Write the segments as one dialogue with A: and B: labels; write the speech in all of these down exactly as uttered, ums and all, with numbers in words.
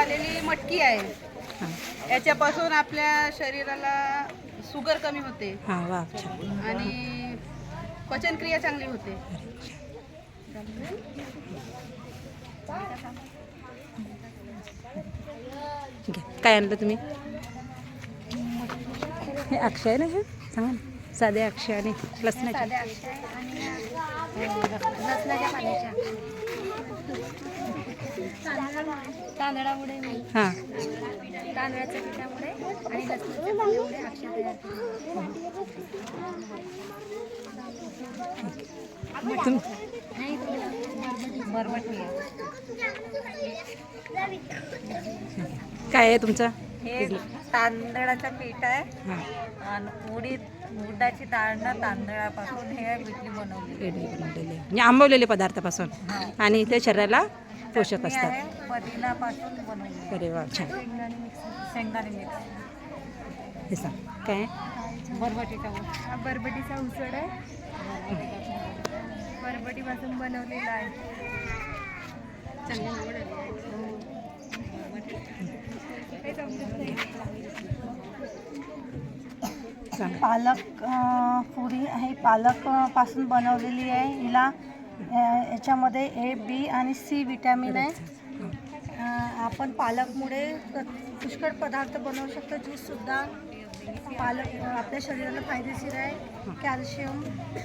A: आलेली मटकी आहे.
B: हां
A: याच्यापासून आपल्या शरीराला शुगर कमी होते
B: हां वा छान.
A: आणि पचनक्रिया चांगली होते.
B: ठीक आहे. काय आणलं तुम्ही? हे अक्षय ना, हे सांगा ना. साधे अक्षय आणि लसणाचे.
C: साध्या अक्षय आणि लसणाच्या पाण्याच्या तांदळामुळे मी
B: हां
C: तांदळाच्या पिठामुळे आणि लसणाच्या पाण्यामुळे अक्षय तयार
B: तुम
C: नाही बरबटी
B: काय आहे तुमचं?
D: हे तांदळाचं पीठ आहे
B: हां
D: आणि उडीद उडदाची डाळ ना तांदळापासून हे पिठली बनवली
B: इडली बनवलेली आहे. म्हणजे आंबवलेले पदार्थापासून आणि ते शरीराला पोषक असतात.
D: आहे पदिनापासून बनवली
B: अरे वा छान.
D: शेंगदाणे मिक्स
B: हे सांग काय आहे?
D: बरबटीचा
C: हा बरबटीचा उसळ आहे. बरबटीपासून बनवलेला आहे.
B: सांग.
E: पालक अ, पुरी आहे. पालक अ, पासून बनवलेली आहे. हिला अ, याच्यामध्ये ए बी आणि सी विटॅमिन आहे. अ, आपण पालकमुळे पुष्कळ पदार्थ बनवू शकतो. ज्यूससुद्धा पालक अ, आपल्या शरीराला फायदेशीर आहे. कॅल्शियम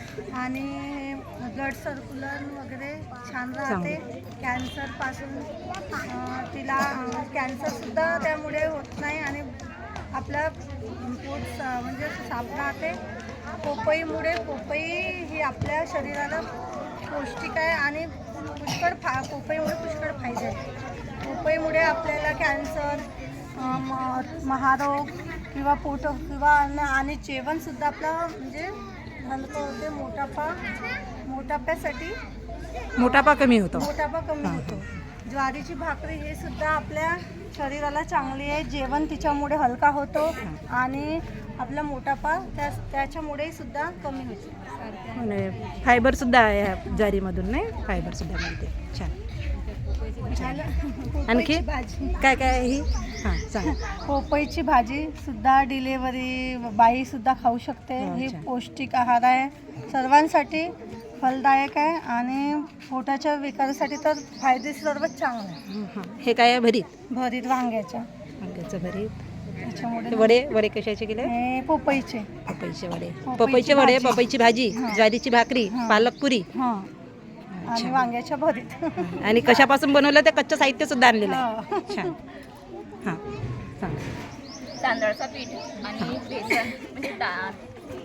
E: आणि ब्लड सर्क्युलर वगैरे छान राहते. कॅन्सरपासून अ, तिला अ, कॅन्सरसुद्धा त्यामुळे होत नाही आणि आपलं पोट सा म्हणजे साफ राहते. पोपईमुळे पोपई ही आपल्या शरीराला पौष्टिक आहे आणि पुष्कळ फा पोपईमुळे पुष्कळ फायदे आहेत. पोपईमुळे आपल्याला कॅन्सर, अ, म महारोग किंवा पोट किंवा अन्न आणि जेवणसुद्धा आपलं म्हणजे हलकं होते. मोटापा मोटाप्यासाठी
B: मोटापा कमी होतो.
E: मोटापा कमी होतो. ज्वारीची भाकरी हे सुद्धा आपल्या शरीराला चांगली आहे. जेवण तिच्यामुळे हलका होतो आणि आपला मोटापा त्या त्याच्यामुळे सुद्धा कमी होतो.
B: आणि फायबर सुद्धा आहे या ज्वारीमधून, नाही फायबर सुद्धा मिळते. छान.
E: झालं.
B: आणखी
E: पोपईची भाजी
B: काय काय आहे ही? हां सांग.
E: पोपईची भाजी सुद्धा डिलेवरी बाई सुद्धा खाऊ शकते.
B: हो,
E: ही
B: छान.
E: पौष्टिक आहार आहे. सर्वांसाठी फलदायक आहे आणि पोटाच्या विकारासाठी तर फायदेशीर सर्वात चांगलं आहे.
B: हां हां. हे काय आहे? भरीत
E: भरीत वांग्याच्या
B: वांग्याचं भरीत.
E: त्याच्यामुळे
B: हे वडे वडे कशाचे केले?
E: हे पोपईचे
B: पपईचे वडे.
E: पपईची
B: पपईचे वडे,
E: भाजी.
B: पपईची भाजी,
E: हां.
B: ज्वारीची भाकरी,
E: हां.
B: पालक पुरी.
E: हां आणि वांग्याच्या भरीत.
B: आणि कशापासून बनवलं ते कच्चं साहित्य सुद्धा आणलेलं आहे.
E: हां.
B: छान. हां सांग.
C: तांदळाचं पीठ आणि बेसन म्हणजे डाळ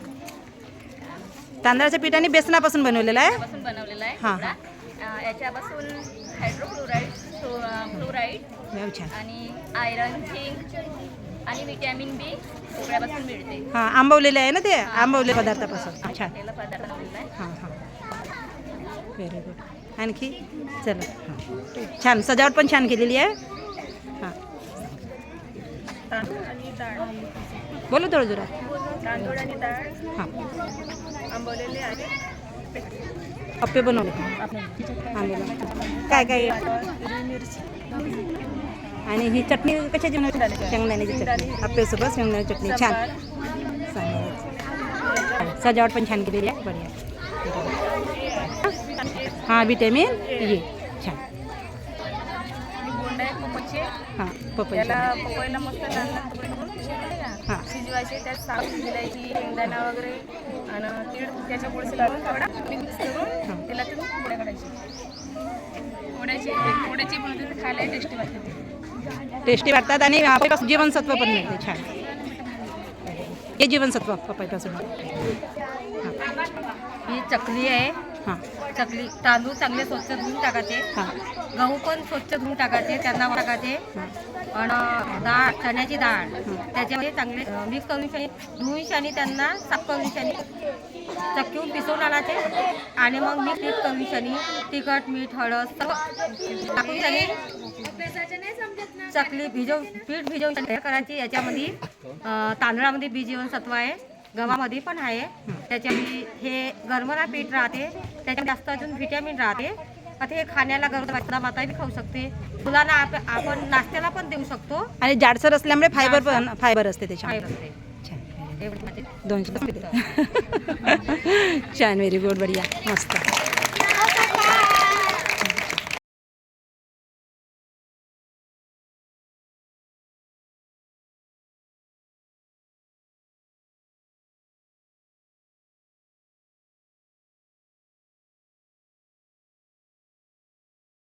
B: तांदळाच्या पिठाने बेसनापासून बनवलेलं आहे.
C: पासून बनवलेला आहे.
B: हां,
C: चिवडा. अं, याच्यापासून हायड्रोक्लोराईड फ्लोराईड
B: हो, छान.
C: आणि आयरन झिंक आणि विटॅमिन बी सगळ्यापासून मिळते.
B: हां आंबवलेले आहे ना ते, आंबवले पदार्थापासून. हां, छान.
C: त्याला पदार्थ बनवलेला आहे.
B: हां हां व्हेरी गुड. आणखी चला. हां छान. सजावट पण छान केलेली आहे. हां
D: तांदूळ आणि डाळ
B: बोला थोडं जोरात.
D: तांदूळ आणि डाळ
B: हां
D: आंबवलेले आहे.
B: अप्पे बनवले आणलेलं. काय काय
D: मिरची
B: आणि ही चटणी कशाची बनवली? शेंगदाण्याची चटणी. अप्पेसोबत शेंगदाण्याची चटणी. छान. चांगलं. सजावट पण छान केलेली आहे. बढिया. हां विटॅमिन ये. छान.
D: गोंडा आहे पपईचे.
B: हां पपई.
D: त्याला पपईला मस्त लहान लहान तुकडे करून
B: हां
D: शिजवायचे. त्यात साफ मिलायची शेंगदाणा वगैरे आणि तीळ त्याच्या पुढे लावून थोडा मिक्स करून त्याला तुम्ही पोळ्या काढायची. पोळ्याची पोळ्याची बनवते तर खायला टेस्टी वाटते.
B: टेस्टी वाटतात आणि आपल्यापासून जीवनसत्व पण मिळते. छान. हे जीवनसत्व पपईपासून.
F: ही चकली आहे.
B: हां
F: चकली तांदूळ चांगले स्वच्छ धुवून टाकायचे.
B: हां
F: गहू पण स्वच्छ धुवून टाकायचे, त्यांना टाकायचे. आणि डाळ चण्याची डाळ त्याच्यामध्ये चांगले मिक्स करून शानी धुवून शानी त्यांना साफ करून शानी चक्कीहून पिसवून आणायचे आणि मग मिक्स मीठ करून शानी तिखट मीठ हळद सर्व टाकून शानी चकली भिजवून पीठ भिजवून तयार करायची. याच्यामध्ये अं, तांदळामध्ये बी जीवनसत्व आहे, गव्हामध्ये पण आहे. त्याच्यामध्ये हे गरमरा पीठ राहते, त्याच्यामध्ये जास्त अजून व्हिटॅमिन राहते आता हे खाण्याला गरज माता बी खाऊ शकते. मुलांना आप- आपण नाश्त्याला पण देऊ शकतो.
B: आणि जाडसर असल्यामुळे फायबर पण फायबर असते
F: काय
B: त्याच्यामध्ये.
F: असते
B: छान
F: एवढं माझे
B: दोनशे छान व्हेरी गुड बढिया मस्त.